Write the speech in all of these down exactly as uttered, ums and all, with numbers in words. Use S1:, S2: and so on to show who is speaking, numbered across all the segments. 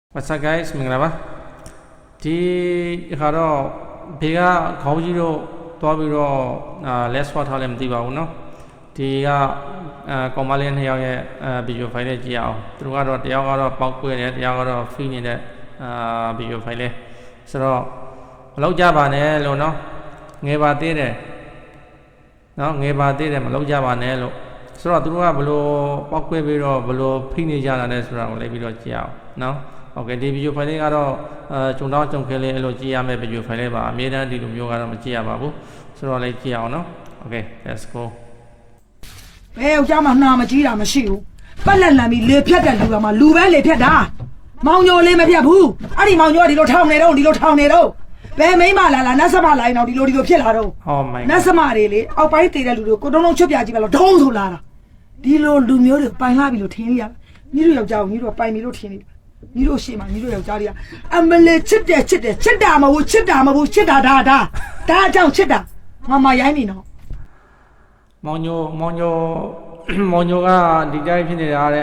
S1: What's up guys မင်္ဂလာပါဒီခါတော့ဘေကခေါင်းကြီးတို့တွားပြီးတော့အာ let's swap ထားလည်းမသိပါဘူးเนาะဒီကအာကောင်မလေးနှစ်ယောက်ရဲ့အာ video file လေးကြည့်အောင်သူတို့ကတော့တယောက်ကတော့ပေါက်ကွဲတယ်တယောက်ကတော့ free နေတဲ့အာ video file လေးဆိုတော့မလောက်ကြပါနဲ့လို့เนาะငယ်ပါသေးတယ်เนาะငယ်ပါသေးတယ်မလောက်ကြပါနဲ့လို့ဆိုတော့သူတို့ကဘလို့ပေါက်ကွဲပြီးတော့ဘလို့ free နေကြတာလဲဆိုတာကိုလည်းပြီးတော့ကြည့်အောင်เนาะโอเคဒီ video file လေးကတော့အဲဂျုံတောင်းဂျုံခဲလေးအဲ့လိုကြည့်ရမယ့် video file လေးပါအမြဲတမ်းဒီလိုမျိုးကတော့မကြည့်ရပါဘူးဆိုတော့လည်းကြည့်အောင်နော် okay let's go
S2: ဘယ်ယောက်ျားမှနှာမကြီးတာမရှိဘူးပတ်လက်လန်ပြီးလေဖြတ်တဲ့လူကမှလူပဲလေဖြတ်တာမောင်ညိုလေးမဖြတ်ဘူးအဲ့ဒီမောင်ညိုကဒီလိုထောင်နေတော့ဒီလိုထောင်နေတော့ဘယ်မိမလာလာနတ်စမလာရင်တော့ဒီလိုဒီလိုဖြစ်လာတော့
S1: oh my
S2: နတ်စမတွေလေအောက်ပိုင်းတည်တဲ့လူတွေကိုတုံးတုံးချွတ်ပြကြည့်ပါလို့ဒုံးဆိုလာတာဒီလိုလူမျိုးတွေပိုင်လာပြီလို့ထင်ရညီတို့ယောက်ျားကိုညီတို့ပိုင်ပြီလို့ထင်နေညီတို့ရှိမှညီတို့ယောက်ျားတွေကအမလေးချစ်တယ်ချစ်တယ်ချစ်တာမဟုတ်ချစ်တာမဟုတ်ချစ်တာဒါဒါဒါအကြောင်းချစ်တာမမရိုင်းနေတော့
S1: မောင်ညိုမောင်ညိုမောင်ညိုကဒီတိုင်းဖြစ်နေတာတဲ့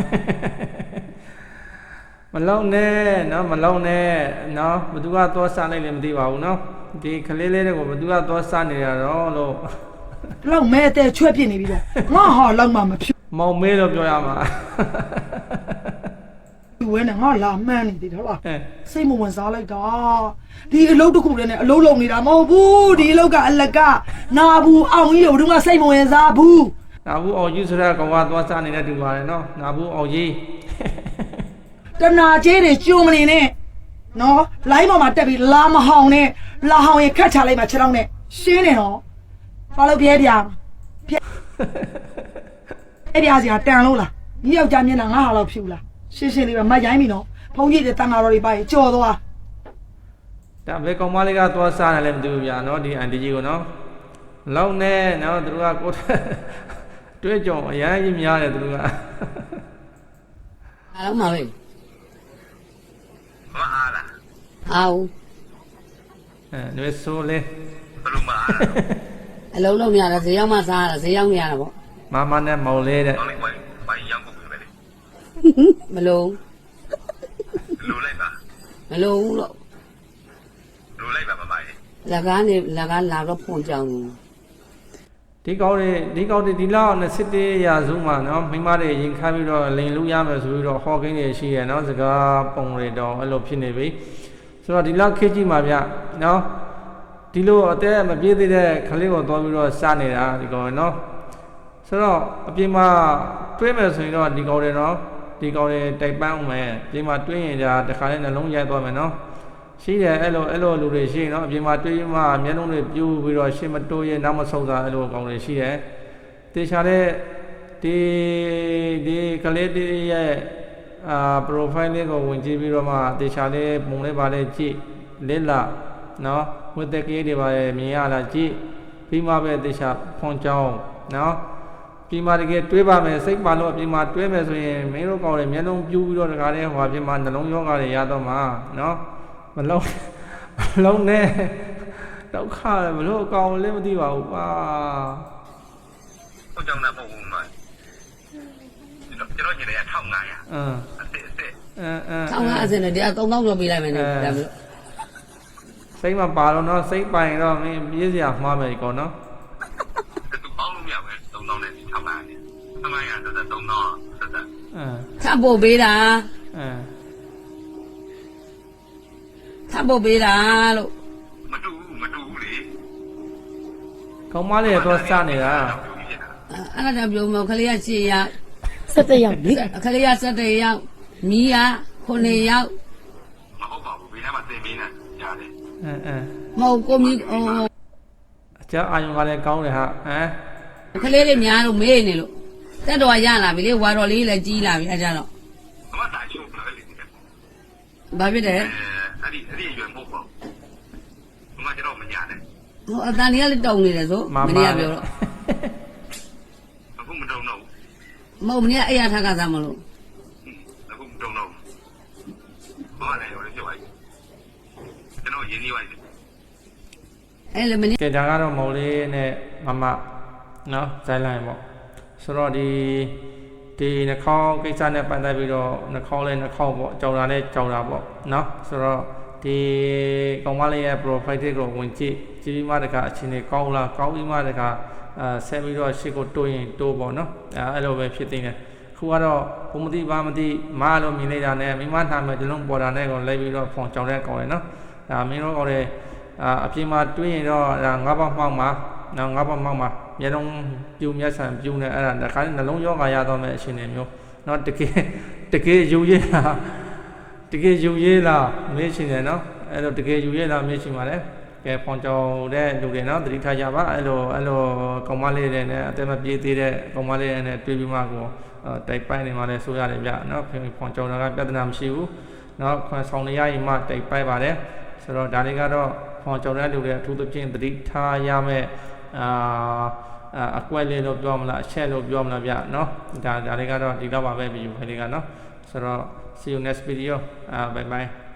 S1: မလုံးနဲ့နော်မလုံးနဲ့နော်ဘသူကသွားစားလိုက်လည်းမသိပါဘူးနော်ဒီကလေးလေးတွေကိုဘသူကသွားစားနေရတော့လို့
S2: လောက်မဲတဲ့ချွဲ့ပြစ်နေပြီတော့ငါဟာလောက်မှမဖြစ်
S1: မောင်မေးလို့ပြောရမှာ
S2: ဝဲနဲ့ငါလာမှန်းနေတယ်ဟုတ်လား
S1: အဲ
S2: စိတ်မဝင်စားလိုက်တာဒီအလုပ်တစ်ခုတည်းနဲ့အလုပ်လုပ်နေတာမဟုတ်ဘူးဒီအလုပ်ကအလကနာဘူးအောင်ကြီးတို့ကစိတ်မဝင်စားဘူး
S1: နာဘူးအောင်ကြီးဆိုတဲ့ကောင်ကသွားစားနေတဲ့တူပါတယ်နော်နာဘူးအောင်ကြီး
S2: တနာကျဲတွေကျုံမနေနဲ့နော်လိုင်းပေါ်မှာတက်ပြီးလာမဟောင်နဲ့လာဟောင်ရင်ခတ်ချလိုက်မှခြေထောက်နဲ့ရှင်းနေတော့ဘာလို့ပြဲပြာပြဲအဲ့ပြာစီကတန်လို့လားဒီယောက်ျားမျက်နှာငါဟာလောက်ဖြူလားရှင်းရှင်းလေးပဲမရိုင်းပြီနော်ဖုန်းကြီးတွေတန်ဃာတော်တွေပါရင်ကြော်သွား
S1: ဒါဘယ်ကောင်မလေးကသွားစားတယ်လည်းမသိဘူးဗျာနော်ဒီအန်တီကြီးကိုနော်လောက်နဲ့နော်သူတို့ကကိုတွေ့ကြုံအရန်ကြီးများတယ်သူတို့က
S3: အားလုံးပါပဲ
S4: မအားလား
S3: အားဦး
S1: အဲနွေဆိုးလေး
S4: ဘယ်လိုမအားလား
S3: အလုံးလုံးရတာဈေးရောက်မှစားရတာဈေးရောက်နေရတာပေါ့
S1: မမနဲ့မောင်လေးတဲ့
S4: ကောင်းလေးဝိုင်းဝိုင်းရောက်ကုန်ပြီပဲလေ
S3: မလုံး
S4: လိုလိုက်ပါ
S3: မလုံးလို့
S4: လိုလိုက်ပါမမရေ
S3: လက်ကားနေလက်ကားလာတော့ဖွန်ကြောင်
S1: ဒီကောင်းတွေဒီကောင်းတွေဒီလောက်နဲ့စစ်တေးရာစုမှာနော်မိမတွေရင်ခါပြီးတော့လိန်လူရမယ်ဆိုပြီးတော့ဟော်ကင်းတွေရှိရနော်စကားပုံတွေတော့အဲ့လိုဖြစ်နေပြီဆိုတော့ဒီလောက်ခေတ်ကြီးမှာဗျနော်ဒီလိုအသက်မပြေးသေးတဲ့ခလေးကိုသွားပြီးတော့စားနေတာဒီကောင်နော်ဆိုတော့အပြင်မှာတွေးမယ်ဆိုရင်တော့ဒီကောင်တွေနော်ဒီကောင်တွေတိုက်ပန်းအောင်မယ်အပြင်မှာတွေးရင်ဒါတခါလေးနှလုံးရိုက်သွားမယ်နော်ရှိတယ်အဲ့လိုအဲ့လိုလူတွေရှိနော်အပြင်မှာတွေးမှမျက်လုံးတွေပြူးပြီးတော့ရှင်းမတိုးရဲနောက်မဆုတ်တာအဲ့လိုကောင်တွေရှိတယ်တေချာတဲ့ဒီဒီကလေးတွေရဲ့အာ profile လေးကိုဝင်ကြည့်ပြီးတော့မှတေချာလေးပုံလေးပါလေးကြည့်လစ်လာနော်ဝတ်တဲ့ကလေးတွေပါလေမြင်ရလားကြည့်ပြီးမှပဲတေချာဖွန်ကြောင်းနော်ပြီးမှတကယ်တွေးပါမယ်စိတ်ပါလို့အပြင်မှာတွေးမယ်ဆိုရင်မင်းတို့ကောင်တွေမျက်လုံးပြူးပြီးတော့တခါလေးဟိုအပြင်မှာနှလုံးရောဂါတွေရတော့မှာနော်မလုံးမလုံးနဲ့ဒုက္ခလည်းမလို့အကောင်လည်းမသိပါဘူးပါ
S4: ဟုတ်ကြောင်တာပုံမှန်ကျွန်တော်ကျွန်တော်ညီလေးကထောက်ငါရ
S1: အင်း
S4: အစ်စ်အစ်စ်
S1: အင်းအင်း
S3: ဆောင်းကားအစင်နဲ့တရားသုံးသောင်းကျော်ပေးလိုက်မယ်နဲ့ဒါမျိုး
S1: စိတ်မပါတော့နော်စိတ်ပိုင်တော့မင်းပြေးစရာမှားမယ်ကောနော်
S4: သူပေါင်းလို့မရဘူးသုံးသောင်းနဲ့ထောက်ငါရတယ်သုံးငါရသက်သက်သုံးသောင်းသက်သက်
S1: အင်း
S3: ထပ်ပို့ပေးတာ
S1: အင်း
S3: ထပ်ပို့ပေးတာလို့
S4: မတူဘူးမတူဘူးလေ
S1: ကောင်မလေးတော့စနေတာ
S3: အဲ့ဒါကြောင့်ပြောမခလေးကရှေ့ရောက်
S2: ဆက်တဲ့ရောက်လေ
S3: ခလေးကစက်တဲ့ရောက်မီးကခုနှစ်ရောက်
S4: မဟုတ်ပါဘူးဘေးထဲမှာသင်ပေးနေရတယ်
S1: အင်းအင်း
S3: မဟုတ်ကိုမီးဟို
S1: အကြအာယုံကလည်းကောင်းတယ်ဟာဟမ်
S3: ခလေးလေးများလို့မေးနေလို့တက်တော်ရလာပြီလေဝါတော်လေးလည်းကြီးလာပြီအဲ့ကြတော့
S4: အမတာချုပ်လာလေ
S3: ဘာဖြစ်တယ်
S4: အဲအဲ့ဒီအဲ့ဒီရွယ်မဟုတ်ပါဘူးမမကျွန်တော်မညာနဲ့
S3: ဟိုအတန်လေးကလည်းတုံနေတယ်ဆိုမနေ့ကပြောတော့
S4: အခုမတုံတော့
S3: မဟုတ်မနေ့ကအဲ့ရထားကစားမလို့
S4: အခုမတုံတော့ဘာလဲရောလေပြောလိုက်ကျွန်တော်ရင်းနှီးလိုက်
S3: အဲ့လေမနေ့
S1: ကဲဒါကတော့မော်လေးနဲ့မမနော်ဇိုင်းလိုင်းပေါ့ဆိုတော့ဒီဒီနှာခေါင်းကိစ္စနဲ့ပတ်သက်ပြီးတော့နှာခေါင်းလဲနှာခေါင်းပေါ့ကြောင်တာလဲကြောင်တာပေါ့နော်ဆိုတော့ဒီကောင်မလေးရဲ့ profile ကိုဝင်ကြည့်ကြည့်ပြီးမှတခါအချင်းတွေကောင်းလားကောင်းပြီးမှတခါအဲဆက်ပြီးတော့ရှေ့ကိုတိုးရင်တိုးပေါ့နော်အဲအဲ့လိုပဲဖြစ်နေတယ်ခုကတော့ဘုံမသိဘာမသိမားလို့မြင်လိုက်တာနဲ့မိမနာမယ်ဒီလုံးပေါ်တာနဲ့ကိုလိုက်ပြီးတော့ဖုန်ကြောင်တဲ့ကောင်လေနော်ဒါမင်းတို့ကောင်လေအာအပြင်မှာတွေးရင်တော့ဒါငါးပါးမှောက်မှာနော်ငါးပါးမှောက်မှာမျက်လုံးပြူမျက်စံပြူနေအဲ့ဒါတခါနှလုံးရောဂါရတော့မဲ့အရှင်တွေမျိုးနော်တကယ်တကယ်ယူရည်လားတကယ်ယူရည်လားမေးရှင်တယ်နော်အဲ့လိုတကယ်ယူရည်လားမေးရှင်ပါလေကဲဖုန်ကြောင်တဲ့လူတွေနော်သတိထားကြပါအဲ့လိုအဲ့လိုကောင်မလေးတွေနဲ့အသက်မပြေးသေးတဲ့ကောင်မလေးတွေနဲ့တွေ့ပြီးမှကိုတိုက်ပိုက်နေမှလည်းဆိုရတယ်ဗျနော်ဖုန်ကြောင်တာကပြဿနာမရှိဘူးနော်ခွန်ဆောင်နေရရင်မှတိုက်ပိုက်ပါတယ်ဆိုတော့ဒါလေးကတော့ဖုန်ကြောင်တဲ့လူတွေအထူးသဖြင့်သတိထားရမယ်အာအကွက်လေးလို့ပြောမလားအချက်လို့ပြောမလားဗျနော်ဒါဒါလေးကတော့ဒီတော့ပါပဲဗီဒီယိုဖိုင်လေးကနော်ဆိုတော့ see you next video uh bye bye